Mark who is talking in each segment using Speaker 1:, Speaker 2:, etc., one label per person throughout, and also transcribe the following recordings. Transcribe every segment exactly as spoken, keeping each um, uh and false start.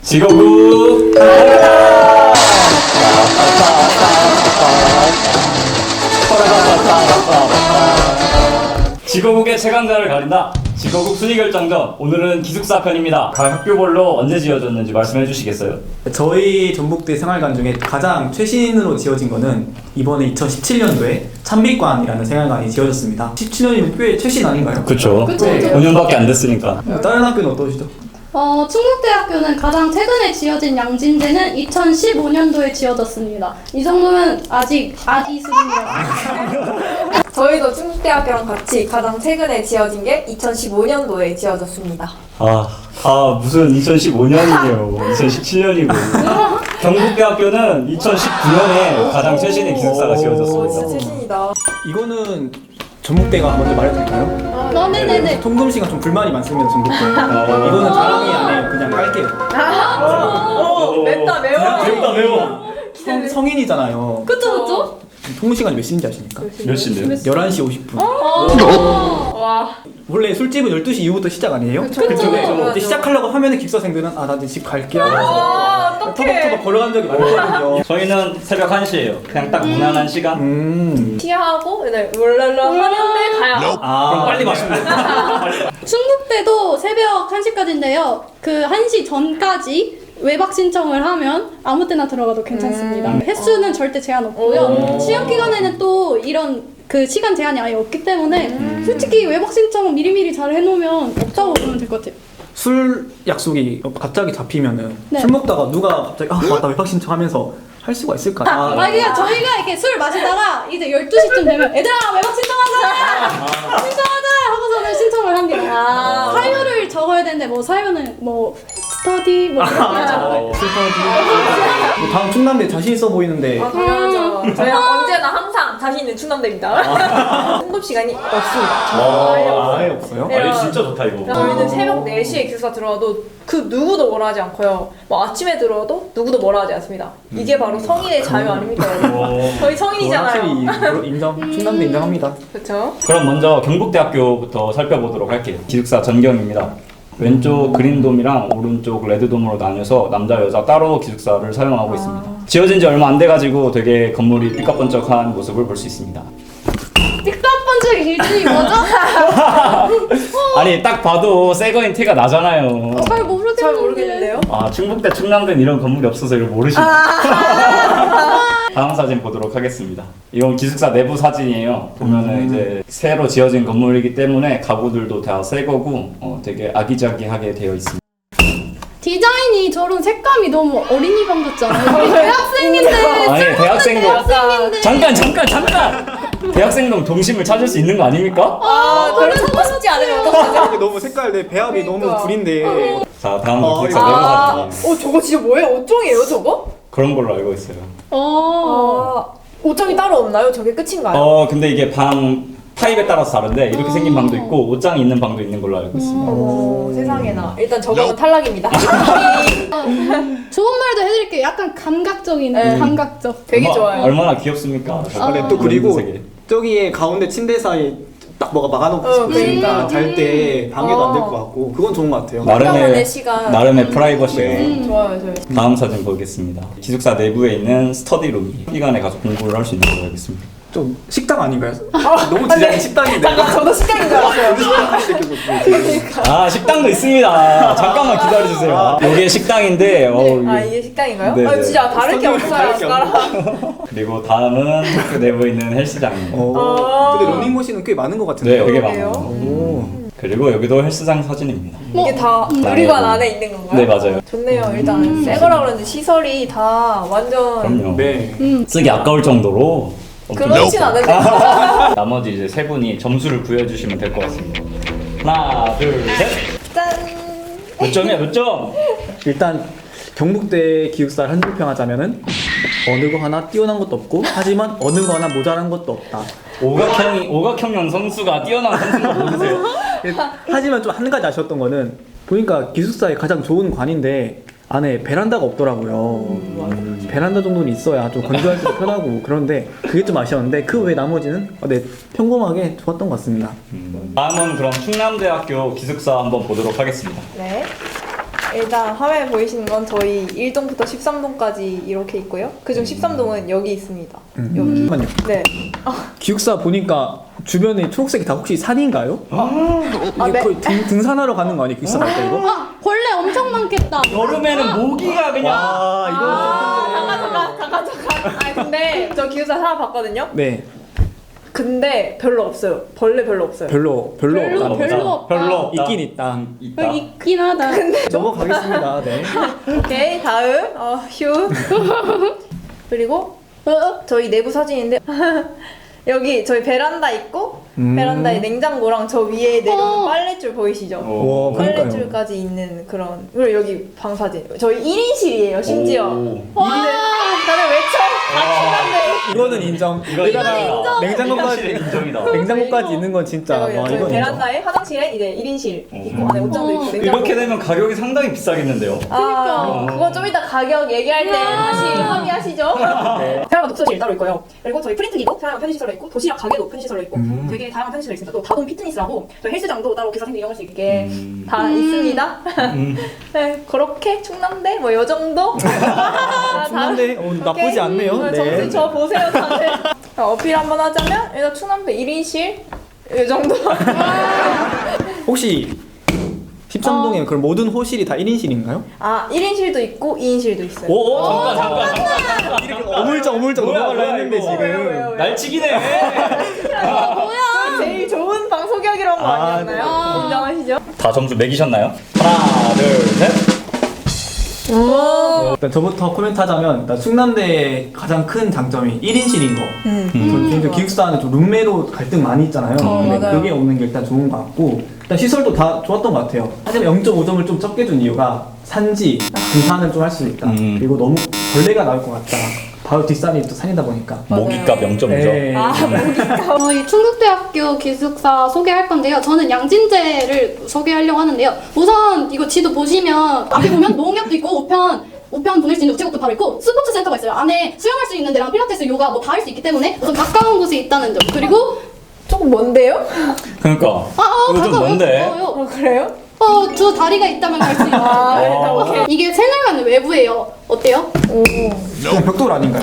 Speaker 1: 지거구 지거국의 최강자를 가린다. 지거국 순위 결정전. 오늘은 기숙사 편입니다. 각 학교별로 언제 지어졌는지 말씀해 주시겠어요?
Speaker 2: 저희 전북대 생활관 중에 가장 최신으로 지어진 거는 이번에 이천십칠 년도에 찬빛관이라는 생활관이 지어졌습니다. 십칠 년이면 꽤 최신 아닌가요?
Speaker 1: 그쵸.
Speaker 3: 그쵸,
Speaker 2: 네.
Speaker 3: 그쵸.
Speaker 1: 오 년밖에 안 됐으니까.
Speaker 2: 다른 학교는 어떠시죠?
Speaker 3: 어, 충북대학교는 가장 최근에 지어진 양진대는 이천십오 년도에 지어졌습니다. 이 정도면 아직 아기 수준이라고.
Speaker 4: 저희도 충북대학교랑 같이 가장 최근에 지어진 게 이천십오 년도에 지어졌습니다.
Speaker 1: 아, 아 무슨 이천십오 년이에요. 이천십칠 년이고. 경북대학교는 이천십구 년에 가장 최신의 기숙사가
Speaker 4: 오, 진짜
Speaker 1: 지어졌습니다.
Speaker 4: 최신이다.
Speaker 2: 이거는 전북대가 먼저 말해도 될까요?
Speaker 3: 어, 네네네.
Speaker 2: 통금 씨가 좀 불만이 많습니다, 전북대. 이거는 자랑이 아니에요. 그냥 깔게요.
Speaker 4: 오, 맵다 매워.
Speaker 1: 맵다 매워.
Speaker 2: 성, 성인이잖아요.
Speaker 3: 그쵸, 그쵸?
Speaker 2: 통금 시간이 몇 시인지 아십니까?
Speaker 1: 몇 시인데요?
Speaker 2: 열한 시 오십 분.
Speaker 4: 와.
Speaker 2: 원래 술집은 열두 시 이후부터 시작 아니에요?
Speaker 4: 그쵸, 그쵸.
Speaker 2: 근데
Speaker 4: 맞아.
Speaker 2: 이제 시작하려고 하면은 기숙사생들은 아, 나 이제 집 갈게 하면서
Speaker 4: 아, 어떡해.
Speaker 2: 터벅터벅 걸어간 적이 많거든요.
Speaker 1: 저희는 새벽 한 시예요. 그냥 딱 무난한 시간.
Speaker 2: 음.
Speaker 4: 티하고 네, 롤랄라 하는데 가야.
Speaker 2: 아,
Speaker 1: 그럼 빨리 마시면 돼요.
Speaker 3: 충북대도 새벽 한 시까지인데요. 그 한 시 전까지 외박 신청을 하면 아무 때나 들어가도 괜찮습니다.
Speaker 4: 음.
Speaker 3: 횟수는 절대 제한 없고요.
Speaker 4: 오.
Speaker 3: 시험 기간에는 또 이런 그 시간 제한이 아예 없기 때문에
Speaker 4: 음.
Speaker 3: 솔직히 외박 신청 미리미리 잘 해놓으면 없다고 보면 될 것 같아요.
Speaker 2: 술 약속이 갑자기 잡히면은
Speaker 3: 네.
Speaker 2: 술 먹다가 누가 갑자기 아 맞다 외박 신청하면서 할 수가 있을까?
Speaker 3: 아, 아, 그냥 저희가 이렇게 술 마시다가 이제 열두 시쯤 되면 얘들아 외박 신청하자! 신청하자! 하고서는 신청을 합니다.
Speaker 4: 아.
Speaker 3: 사유를 적어야 되는데 뭐 사유는 뭐 스터디 뭐 이런 거
Speaker 1: 어,
Speaker 2: 뭐 다음 충남대 자신 있어 보이는데
Speaker 4: 아, 당연하죠. 저희가 언제나 항상 자신 있는 충남대입니다. 통금 시간이 없습니다.
Speaker 1: 어,
Speaker 2: 아예 없어요?
Speaker 4: 네.
Speaker 1: 아, 진짜 좋다 이거.
Speaker 4: 저희는 새벽 네 시에 기숙사 들어와도 그 누구도 뭐라 하지 않고요. 뭐 아침에 들어와도 누구도 뭐라 하지 않습니다. 이게 바로 성인의 자유 아닙니까, 여러분?
Speaker 1: 어,
Speaker 4: 저희 성인이잖아요.
Speaker 2: 확실히 그거 인정. 충남대 인정합니다.
Speaker 4: 그렇죠?
Speaker 1: 그럼 먼저 경북대학교부터 살펴보도록 할게요. 기숙사 전경입니다. 왼쪽 그린돔이랑 오른쪽 레드돔으로 나뉘어서 남자 여자 따로 기숙사를 사용하고 있습니다. 지어진 지 얼마 안 돼가지고 되게 건물이 삐까번쩍한 모습을 볼 수 있습니다.
Speaker 3: 삐까뻔쩍 기준이 뭐죠?
Speaker 1: 아니 딱 봐도 새 거인 티가 나잖아요.
Speaker 3: 잘 모르겠는데.
Speaker 4: 잘 모르겠는데요?
Speaker 1: 아 충북대 충남대는 이런 건물이 없어서 이걸 모르시네. 다음 사진 보도록 하겠습니다. 이건 기숙사 내부 사진이에요. 보면은
Speaker 2: 음.
Speaker 1: 이제 새로 지어진 건물이기 때문에 가구들도 다 새 거고 어, 되게 아기자기하게 되어 있습니다.
Speaker 3: 디자인이 저런 색감이 너무 어린이방 같잖아요. 대학생인데.
Speaker 1: 아니 대학생도
Speaker 3: 대학생인데.
Speaker 1: 잠깐 잠깐 잠깐 대학생도 동심을 찾을 수 있는 거 아닙니까?
Speaker 4: 아, 그래 하고 싶지 않으면 어떡하죠?
Speaker 2: 너무 색깔 배합이 너무
Speaker 4: 그러니까.
Speaker 2: 구린데
Speaker 1: 자 다음
Speaker 2: 어,
Speaker 1: 기숙사
Speaker 2: 이거-
Speaker 1: 내부
Speaker 4: 아,
Speaker 1: 사진
Speaker 4: 어, 저거 진짜 뭐예요? 옷종이에요, 저거?
Speaker 1: 그런 걸로 알고 있어요.
Speaker 3: 어.
Speaker 4: 아, 옷종이 따로 없나요? 저게 끝인가요?
Speaker 1: 어 근데 이게 방 타입에 따라서 다른데 이렇게 생긴 방도 있고 옷장이 있는 방도 있는 걸로 알고 있습니다.
Speaker 4: 오, 세상에나. 일단 저거는 탈락입니다.
Speaker 3: 좋은 말도 해드릴게요. 약간 감각적인
Speaker 4: 네.
Speaker 3: 감각적.
Speaker 4: 되게
Speaker 1: 얼마-
Speaker 4: 좋아요.
Speaker 1: 얼마나 귀엽습니까?
Speaker 3: 아,
Speaker 2: 네, 또 그리고
Speaker 1: 색이.
Speaker 2: 저기에 가운데 침대 사이 딱 뭐가 막아놓고
Speaker 4: 어,
Speaker 2: 싶으니까
Speaker 4: 그러니까.
Speaker 2: 잘 때 방해도 안 될
Speaker 4: 어.
Speaker 2: 것 같고 그건 좋은 것 같아요.
Speaker 4: 나름의
Speaker 1: 나름의
Speaker 4: 시간.
Speaker 1: 나름의 프라이버시가
Speaker 4: 음, 좋아요, 저희.
Speaker 1: 다음 사진 보겠습니다. 기숙사 내부에 있는 스터디룸이 시간에 가서 공부를 할 수 있는 걸로 알겠습니다.
Speaker 2: 좀 식당 아닌가요? 너무 디자인이 식당인데.
Speaker 4: 잠깐, 저도 식당인 줄 알았어요.
Speaker 1: 아 식당도 있습니다. 잠깐만 기다려주세요. 이게 식당인데 어우,
Speaker 4: 아,
Speaker 1: 이게-
Speaker 4: 이게 식당인가요?
Speaker 1: 네,
Speaker 4: 아,
Speaker 1: 네.
Speaker 4: 진짜 다를 게 없어요.
Speaker 2: 다를 게
Speaker 4: 나랑.
Speaker 1: 그리고 다음은 학교 내부에 있는 헬스장입니다.
Speaker 2: 어.
Speaker 4: 아.
Speaker 2: 근데 러닝머신은 꽤 많은 것
Speaker 1: 네,
Speaker 2: 같은데요.
Speaker 1: 되게
Speaker 4: 그러게요.
Speaker 1: 많아요.
Speaker 2: 오.
Speaker 1: 그리고 여기도 헬스장 사진입니다.
Speaker 4: 이게 다
Speaker 1: 음.
Speaker 4: 누리관 안에 있는 건가요?
Speaker 1: 네 맞아요.
Speaker 4: 좋네요. 일단 새 거라 그러는데 시설이 다 완전
Speaker 1: 그럼요.
Speaker 2: 네.
Speaker 3: 음.
Speaker 1: 쓰기 아까울 정도로 엄청
Speaker 4: 그렇진
Speaker 1: 좋고.
Speaker 4: 않은데.
Speaker 1: 나머지 이제 세 분이 점수를 부여해주시면 될 것 같습니다. 하나, 둘, 셋.
Speaker 4: 짠.
Speaker 1: 몇 점이야? 몇 점?
Speaker 2: 일단 경북대 기숙사를 한 줄 평하자면은 어느 거 하나 뛰어난 것도 없고 하지만 어느 거 하나 모자란 것도 없다.
Speaker 1: 오각형이 오각형형 선수가 뛰어난 선수가 모르세요?
Speaker 2: 하지만 좀 한 가지 아쉬웠던 거는 보니까 기숙사의 가장 좋은 관인데 안에 베란다가 없더라고요. 베란다 정도는 있어야 좀 건조할 때도 편하고 그런데 그게 좀 아쉬웠는데 그 외 나머지는 어, 네, 평범하게 좋았던 것 같습니다.
Speaker 1: 음. 다음은 그럼 충남대학교 기숙사 한번 보도록 하겠습니다.
Speaker 4: 네. 일단 화면에 보이시는 건 저희 일 동부터 십삼 동까지 이렇게 있고요. 그중 십삼 동은 여기 있습니다.
Speaker 2: 음.
Speaker 4: 여기.
Speaker 2: 잠깐만요.
Speaker 4: 네.
Speaker 2: 기숙사 보니까 주변에 초록색이 다 혹시 산인가요? 이게
Speaker 4: 아, 네.
Speaker 2: 거의 등, 등산하러 가는 거 아니에요? 기숙사 갈 때 이거?
Speaker 3: 아, 벌레 엄청 많겠다.
Speaker 1: 여름에는 모기가 그냥
Speaker 2: 와 이거
Speaker 4: 아, 잠깐 잠깐 잠깐 잠깐. 아 근데 저 기숙사 살아봤거든요.
Speaker 2: 네
Speaker 4: 근데 별로 없어요. 벌레 별로 없어요.
Speaker 2: 별로 별로
Speaker 3: 별로,
Speaker 2: 없다.
Speaker 3: 별로 없다.
Speaker 1: 별로 없다.
Speaker 2: 있긴 있다.
Speaker 1: 있다.
Speaker 3: 여기 있긴 하다.
Speaker 2: 넘어가겠습니다. 네.
Speaker 4: 오케이 다음 어, 휴. 그리고
Speaker 3: 어, 어?
Speaker 4: 저희 내부 사진인데 여기 저희 베란다 있고
Speaker 2: 음.
Speaker 4: 베란다에 냉장고랑 저 위에 내려오는
Speaker 3: 어.
Speaker 4: 빨랫줄 보이시죠?
Speaker 2: 와 그러니까요.
Speaker 4: 빨랫줄까지 있는 그런 그리고 여기 방 사진 저희 일 인실이에요 심지어.
Speaker 1: 오.
Speaker 3: 와.
Speaker 4: 다들 외쳐 다 친한데.
Speaker 2: 이거는 인정.
Speaker 1: 이거
Speaker 2: 여기다가
Speaker 1: 인정.
Speaker 2: 냉장고까지
Speaker 1: 인정이다.
Speaker 2: 냉장고까지 있는 건 진짜 와
Speaker 4: 저희
Speaker 2: 이건 인정.
Speaker 4: 베란다에 화장실에 이제 일 인실 있고 안에 옷장도 있고 냉장고.
Speaker 1: 이렇게 되면 가격이 상당히 비싸겠는데요.
Speaker 4: 아, 그건 좀 이따 가격 얘기할 때 다시 합의하시죠.
Speaker 2: 네.
Speaker 4: 사용한 독서실 따로 있고요. 그리고 저희 프린트기도 사용한 편의시설로 있고 도시락 가게도 편의시설로 있고
Speaker 2: 음.
Speaker 4: 되게 다양한 편의시설이 있습니다. 또 다동 피트니스라고 저희 헬스장도 따로 기사생들 이용할 수 있게
Speaker 1: 음.
Speaker 4: 다
Speaker 3: 음.
Speaker 4: 있습니다.
Speaker 1: 음.
Speaker 4: 네, 그렇게 충남대 뭐 요 정도. 아,
Speaker 2: 충남대 어, 나쁘지
Speaker 4: 오케이.
Speaker 2: 않네요.
Speaker 4: 음,
Speaker 2: 네.
Speaker 4: 정신 저 보세요 다들. 자, 어필 한번 하자면 일단 충남대 일 인실 요 정도.
Speaker 2: 혹시 십삼 동에 그럼 모든 호실이 다 일 인실인가요?
Speaker 4: 아 일 인실도 있고 이 인실도 있어요.
Speaker 1: 오, 오 잠깐 잠깐 잠깐. 이렇게
Speaker 2: 어물쩍 어물쩍
Speaker 1: 뭐야,
Speaker 2: 넘어가려
Speaker 1: 뭐야,
Speaker 2: 했는데
Speaker 1: 이거.
Speaker 4: 왜요, 왜요,
Speaker 2: 지금.
Speaker 4: 왜요?
Speaker 1: 날치기네.
Speaker 3: 뭐야?
Speaker 4: 제일 좋은 방 소개하기로 한 거
Speaker 2: 아,
Speaker 4: 아니었나요?
Speaker 3: 네.
Speaker 4: 인정하시죠?
Speaker 1: 다 점수 매기셨나요? 하나, 둘, 셋.
Speaker 2: 일단 저부터 코멘트 하자면 일단 충남대의 가장 큰 장점이 일 인실인 거.
Speaker 4: 음.
Speaker 2: 전 개인적으로 기숙사는 좀 룸메로 갈등 많이 있잖아요.
Speaker 4: 어,
Speaker 2: 근데
Speaker 4: 맞아요.
Speaker 2: 그게 없는 게 일단 좋은 것 같고 일단 시설도 다 좋았던 것 같아요. 하지만 영 점 오 점을 좀 적게 준 이유가 산지, 등산을 좀 할 수 있다.
Speaker 1: 음.
Speaker 2: 그리고 너무 벌레가 나올 것 같다. 바로 뒷산이 또 산이다 보니까.
Speaker 1: 모기값 영 점 오 점.
Speaker 2: 네.
Speaker 4: 아,
Speaker 3: 저희 충북대학교 기숙사 소개할 건데요. 저는 양진제를 소개하려고 하는데요. 우선 이거 지도 보시면 앞에 보면 농협도 있고 우편 우편 보낼 수 있는 우체국도 바로 있고 스포츠 센터가 있어요. 안에 수영할 수 있는 데랑 필라테스, 요가 뭐 다 할 수 있기 때문에 우선 가까운 곳에 있다는 점. 그리고
Speaker 4: 조금 먼데요?
Speaker 1: 그러니까.
Speaker 3: 아, 어,
Speaker 1: 이거 좀
Speaker 3: 가까워요.
Speaker 1: 뭔데?
Speaker 3: 가까워요.
Speaker 4: 어, 그래요?
Speaker 3: 어, 두 다리가 있다면 갈 수 있어요.
Speaker 4: 아, 일단
Speaker 1: 어.
Speaker 4: 오케이.
Speaker 3: 이게 생활관 외부예요. 어때요?
Speaker 4: 오.
Speaker 2: 그냥 벽돌 아닌가요?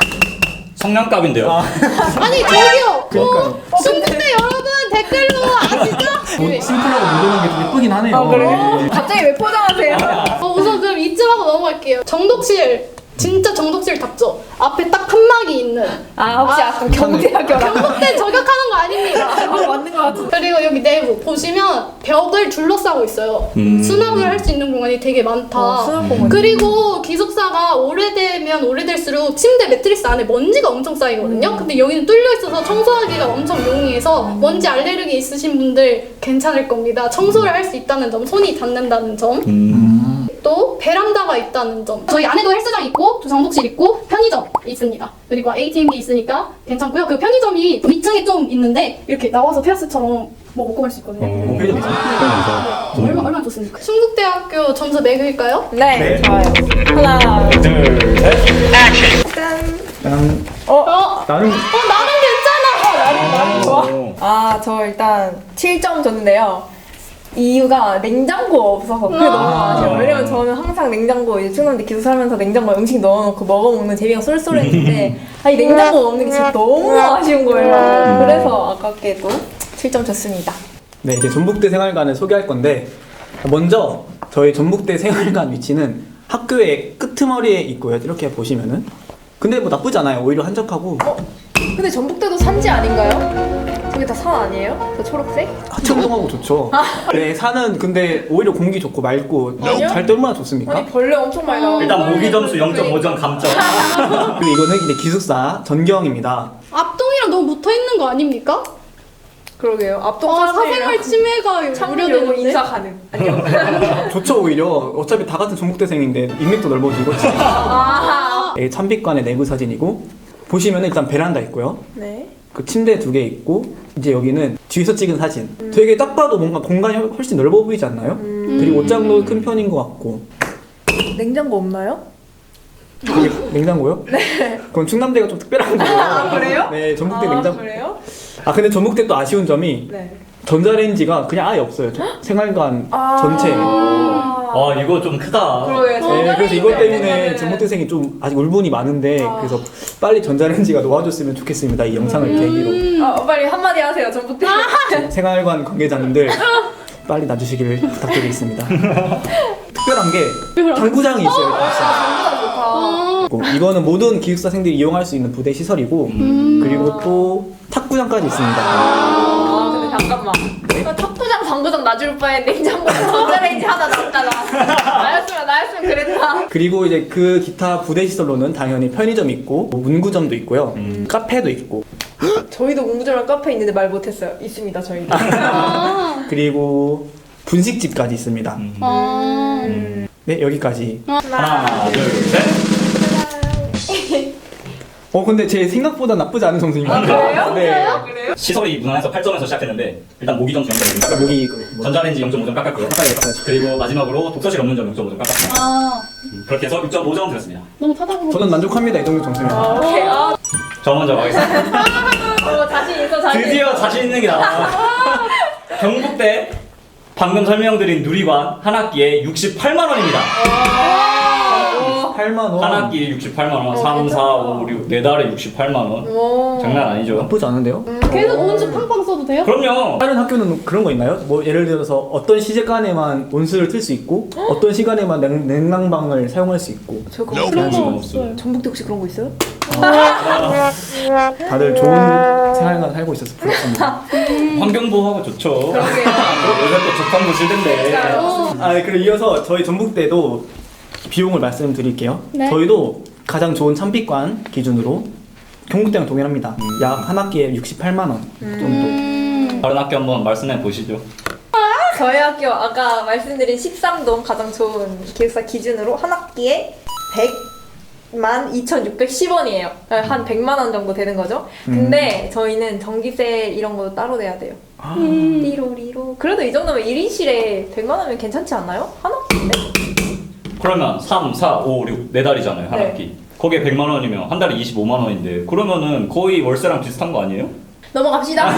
Speaker 1: 성냥갑인데요.
Speaker 2: 아.
Speaker 3: 아니 저기요.
Speaker 2: 그러니까요.
Speaker 3: 어, 충북대 여러분 댓글로 아시죠?
Speaker 2: 뭐, 심플하고 모던한 게 좀 예쁘긴 하네요.
Speaker 4: 아, 그래요?
Speaker 2: 네.
Speaker 4: 갑자기 왜 포장하세요?
Speaker 3: 어, 우선 그럼 이쯤 하고 넘어갈게요. 정독실. 진짜 정독실답죠. 앞에 딱 칸막이 있는.
Speaker 4: 아, 혹시 아까 경제학교랑.
Speaker 3: 경북대 저격하는 거 아닙니다.
Speaker 4: 아, 맞는 것 같은데.
Speaker 3: 그리고 여기 내부 보시면 벽을 둘러싸고 있어요.
Speaker 1: 음.
Speaker 3: 수납을 할 수 있는 공간이 되게 많다.
Speaker 4: 어, 수납 공간.
Speaker 3: 그리고 기숙사가 오래되면 오래될수록 침대 매트리스 안에 먼지가 엄청 쌓이거든요. 근데 여기는 뚫려 있어서 청소하기가 엄청 용이해서 먼지 알레르기 있으신 분들 괜찮을 겁니다. 청소를 할 수 있다는 점, 손이 닿는다는 점.
Speaker 1: 음.
Speaker 3: 또 베란다가 있다는 점. 저희 안에도 헬스장 있고 또 정독실 있고 편의점 있습니다. 그리고 에이티엠기 있으니까 괜찮고요. 그 편의점이 이 층에 좀 있는데 이렇게 나와서 테라스처럼 뭐 먹고 갈 수 있거든요.
Speaker 1: 어.
Speaker 2: 편의점 있어요?
Speaker 3: 네, 얼마 얼마나 좋습니까? 충북대학교 점수 매길까요?
Speaker 4: 네,
Speaker 2: 네.
Speaker 4: 좋아요. 하나,
Speaker 1: 둘, 셋.
Speaker 4: 짠.
Speaker 2: 난,
Speaker 4: 어?
Speaker 3: 어,
Speaker 2: 나는
Speaker 3: 어 나는 괜찮아.
Speaker 4: 나는, 나는 좋아.
Speaker 1: 오.
Speaker 4: 아, 저 일단 칠 점 줬는데요. 이유가 냉장고 없어서 그게 너무 아쉬워요. 왜냐면 저는 항상 냉장고 이제 충남대 기숙 살면서 냉장고에 음식 넣어놓고 먹어먹는 재미가 쏠쏠했는데 아, 이 냉장고가 없는 게 진짜 너무 아쉬운 거예요. 그래서 아깝게도 칠 점 줬습니다.
Speaker 2: 네, 이제 전북대 생활관을 소개할 건데 먼저 저희 전북대 생활관 위치는 학교의 끄트머리에 있고요. 이렇게 보시면은 근데 뭐 나쁘지 않아요. 오히려 한적하고
Speaker 4: 어? 근데 전북대도 산지 아닌가요? 저게 다 산 아니에요? 저 초록색?
Speaker 2: 하천동하고 좋죠. 네, 산은 근데 오히려 공기 좋고 맑고
Speaker 4: 아니요?
Speaker 2: 잘 때 얼마나 좋습니까?
Speaker 4: 아니 벌레 엄청 많이 나와요.
Speaker 1: 일단 모기 점수 영 점 오 점 감점.
Speaker 2: 그리고 이거는 이제 기숙사 전경입니다.
Speaker 3: 앞동이랑 너무 붙어 있는 거 아닙니까?
Speaker 4: 그러게요. 앞동
Speaker 3: 아,
Speaker 4: 사람들이랑
Speaker 3: 사생활 침해가
Speaker 4: 참으려고
Speaker 3: 우려되는데.
Speaker 4: 인사 가능. 안녕.
Speaker 2: 좋죠 오히려. 어차피 다 같은 전북대생인데 인맥도 넓어지고.
Speaker 4: 아.
Speaker 2: 네, 찬빛관의 내부 사진이고 보시면은 일단 베란다 있고요.
Speaker 4: 네.
Speaker 2: 그 침대 두 개 있고 이제 여기는 뒤에서 찍은 사진. 되게 딱 봐도 뭔가 공간이 훨씬 넓어 보이지 않나요? 그리고 옷장도 큰 편인 것 같고.
Speaker 4: 냉장고 없나요?
Speaker 2: 그게 냉장고요? 네. 그건 충남대가 좀 특별한 거예요.
Speaker 4: 아, 그래요?
Speaker 2: 네, 전북대
Speaker 4: 아,
Speaker 2: 냉장고.
Speaker 4: 그래요?
Speaker 2: 아 근데 전북대 또 아쉬운 점이
Speaker 4: 네.
Speaker 2: 전자레인지가 그냥 아예 없어요. 저- 생활관
Speaker 4: 아.
Speaker 2: 전체에.
Speaker 4: 아.
Speaker 1: 아 이거 좀 크다.
Speaker 4: 그러게.
Speaker 2: 네, 그래서 이것 때문에
Speaker 4: 전자레인지
Speaker 2: 전북대생이 좀 아직 울분이 많은데
Speaker 4: 아.
Speaker 2: 그래서 빨리 전자레인지가 놓아줬으면 좋겠습니다. 이 영상을 계기로
Speaker 4: 아, 빨리 한마디 하세요. 전북대.
Speaker 2: 생활관 관계자님들 빨리 놔주시기를 부탁드리겠습니다. 특별한 게 당구장이 있어요.
Speaker 4: 전북대 좋다.
Speaker 2: 그리고 이거는 모든 기숙사생들이 이용할 수 있는 부대 시설이고 그리고 또 탁구장까지 있습니다.
Speaker 4: 아, 근데 잠깐만. 나 탁구장, 당구장 놔줄 바에 냉장고 전자레인지 하나 놨잖아. 나였으면, 나였으면 그랬다.
Speaker 2: 그리고 이제 그 기타 부대 시설로는 당연히 편의점이 있고 뭐 문구점도 있고요.
Speaker 1: 음.
Speaker 2: 카페도 있고
Speaker 4: 저희도 공부점랑 카페 있는데 말 못했어요. 있습니다, 저희도.
Speaker 3: 아.
Speaker 2: 그리고 분식집까지 있습니다.
Speaker 1: 음.
Speaker 3: 아.
Speaker 2: 네, 여기까지.
Speaker 1: 하나 둘 셋.
Speaker 2: 어 근데 제 생각보다 나쁘지 않은 점수입니다.
Speaker 4: 아, 그래요?
Speaker 2: 네.
Speaker 4: 그래요?
Speaker 1: 시설이 무난해서 팔 점에서 시작했는데 일단 모기 점수 영 점입니다.
Speaker 2: 아까 목이 그 뭐,
Speaker 1: 전자레인지 영 점 오 점 깎았고요.
Speaker 2: 깎아야겠어요.
Speaker 1: 그리고 마지막으로 독서실 없는 점 영 점 오 점 깎았습니다.
Speaker 3: 아.
Speaker 1: 음, 그렇게 해서 육 점 오 점 드렸습니다.
Speaker 3: 너무 찾아보고.
Speaker 2: 저는 만족합니다. 이 정도 점수면.
Speaker 4: 아, 오케이. 아,
Speaker 1: 저 먼저 가겠습니다.
Speaker 4: 어, 자신 있어, 자신
Speaker 1: 드디어
Speaker 4: 있어.
Speaker 1: 자신 있는 게 나와. 경북대 방금 설명드린 누리관 한 학기에 육십팔만 원입니다.
Speaker 2: 팔만 원.
Speaker 1: 한 학기에 육십팔만 원. 삼, 사, 오, 육, 네 달에 육십팔만 원.
Speaker 4: 오.
Speaker 1: 장난 아니죠?
Speaker 2: 나쁘지 않은데요?
Speaker 3: 계속 온수 팡팡 써도 돼요?
Speaker 1: 그럼요.
Speaker 2: 다른 학교는 그런 거 있나요? 뭐 예를 들어서 어떤 시간에만 온수를 틀 수 있고 어떤 시간에만 냉, 냉난방을 사용할 수 있고
Speaker 4: 저 그거
Speaker 3: 그런
Speaker 1: 그런
Speaker 3: 거
Speaker 1: 거
Speaker 3: 없어요.
Speaker 4: 전북대 혹시 그런 거 있어요?
Speaker 2: 다들 좋은 생활관 살고 있어서 부럽습니다.
Speaker 1: 환경보호하고 좋죠.
Speaker 4: 그러게요.
Speaker 1: 요새 또 좋다고 보시던데.
Speaker 3: 어.
Speaker 2: 아, 네, 그리고 이어서 저희 전북대도 비용을 말씀드릴게요.
Speaker 3: 네.
Speaker 2: 저희도 가장 좋은 참비관 기준으로 경북대랑 동일합니다. 약 한 학기에 육십팔만 원 정도.
Speaker 3: 음.
Speaker 1: 다른 학교 한번 말씀해 보시죠.
Speaker 4: 저희 학교 아까 말씀드린 십삼 동 가장 좋은 기숙사 기준으로 한 학기에 백만 이천육백십 원이에요. 한 백만 원 정도 되는 거죠. 근데 저희는 전기세 이런 거 따로 내야 돼요.
Speaker 2: 아,
Speaker 4: 리로리로. 그래도 이 정도면 일 인실에 백만 원이면 괜찮지 않나요? 한 학기인데?
Speaker 1: 그러면 삼, 사, 오, 육, 네 달이잖아요. 한
Speaker 4: 네.
Speaker 1: 학기. 거기에 백만 원이면 한 달에 이십오만 원인데 그러면은 거의 월세랑 비슷한 거 아니에요?
Speaker 4: 넘어갑시다.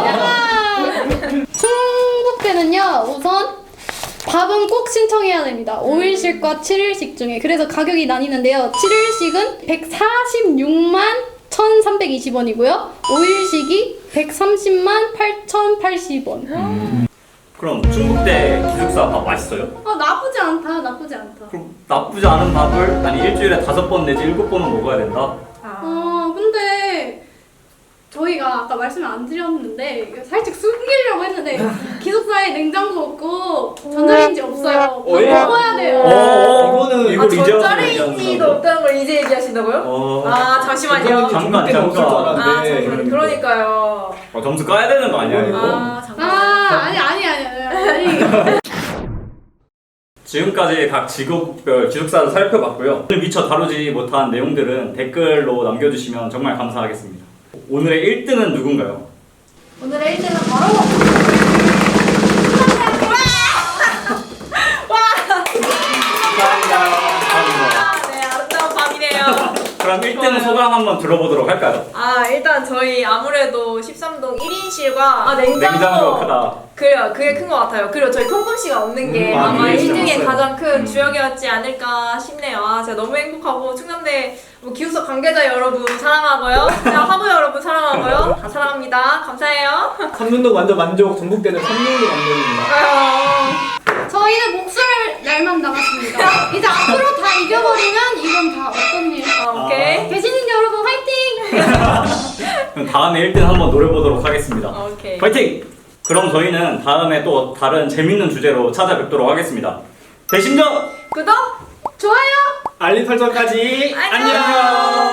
Speaker 3: 충북대는요 우선 밥은 꼭 신청해야 됩니다. 오 일씩과 칠 일씩 중에. 그래서 가격이 나뉘는데요. 칠 일씩은 백사십육만 천삼백이십 원이고요. 오 일씩이 백삼십만 팔천팔십 원.
Speaker 1: 그럼 충북대 기숙사 밥 맛있어요?
Speaker 3: 아 나쁘지 않다. 나쁘지 않다.
Speaker 1: 그럼 나쁘지 않은 밥을 아니 일주일에 다섯 번 내지 일곱 번은 먹어야 된다.
Speaker 3: 어 근데 저희가 아까 말씀을 안 드렸는데 살짝 숨기려고 했는데 기숙사에 냉장고 없고 전자레인지 없어요.
Speaker 2: 어, 예?
Speaker 3: 먹어야 돼요.
Speaker 1: 어,
Speaker 2: 이거는-
Speaker 1: 이걸
Speaker 4: 아,
Speaker 1: 이제 와서
Speaker 4: 전자레인지도
Speaker 1: 얘기하는
Speaker 4: 없다는 걸 이제 얘기하신다고요?
Speaker 1: 어.
Speaker 4: 아, 잠시만요.
Speaker 1: 잠깐,
Speaker 2: 전북대는 없을 줄
Speaker 1: 잠깐.
Speaker 4: 아,
Speaker 2: 알았는데.
Speaker 4: 잠시만요. 그러니까요.
Speaker 1: 어, 점수 까야 되는 거 아니야 이거?
Speaker 4: 아, 잠깐.
Speaker 3: 아 아니 아니 아니 아니.
Speaker 1: 지금까지 각 직업별 기숙사를 살펴봤고요. 오늘 미처 다루지 못한 내용들은 댓글로 남겨주시면 정말 감사하겠습니다. 오늘의 일 등은 누군가요?
Speaker 3: 오늘의 일 등은 바로
Speaker 1: 감사합니다.
Speaker 4: 네, 아름다운 밤이네요.
Speaker 1: 그럼 일 등 소감 한번 들어보도록 할까요?
Speaker 4: 아, 일단 저희 아무래도 십삼 동 일 인실과 아, 냉장고.
Speaker 1: 냉장고가 크다.
Speaker 4: 그래요. 그게 큰 것 같아요. 그리고 저희 통금씨가 없는 게
Speaker 1: 음,
Speaker 4: 아마
Speaker 1: 아,
Speaker 4: 일
Speaker 1: 진짜
Speaker 4: 등의
Speaker 1: 없어요.
Speaker 4: 가장 큰
Speaker 1: 음.
Speaker 4: 주역이었지 않을까 싶네요. 아, 제가 너무 행복하고 충남대 뭐 기숙사 관계자 여러분 사랑하고요. 그냥 화부 여러분 사랑하고요. 다 사랑합니다. 감사해요.
Speaker 2: 삼문도 완전 만족, 전북대는 삼문도 만족입니다.
Speaker 4: 아유.
Speaker 3: 저희는 목숨을 날만 남았습니다. 이제 앞으로 다 이겨버리면 이건 다 어떤 일?
Speaker 4: 아, 오케이.
Speaker 3: 계시는 여러분 화이팅!
Speaker 1: 그럼 다음에 일 등 한번 노려보도록 하겠습니다.
Speaker 4: 오케이.
Speaker 1: 파이팅! 그럼 저희는 다음에 또 다른 재밌는 주제로 찾아뵙도록 하겠습니다. 대신전
Speaker 4: 구독!
Speaker 3: 좋아요!
Speaker 2: 알림 설정까지
Speaker 4: 안녕.
Speaker 2: 안녕.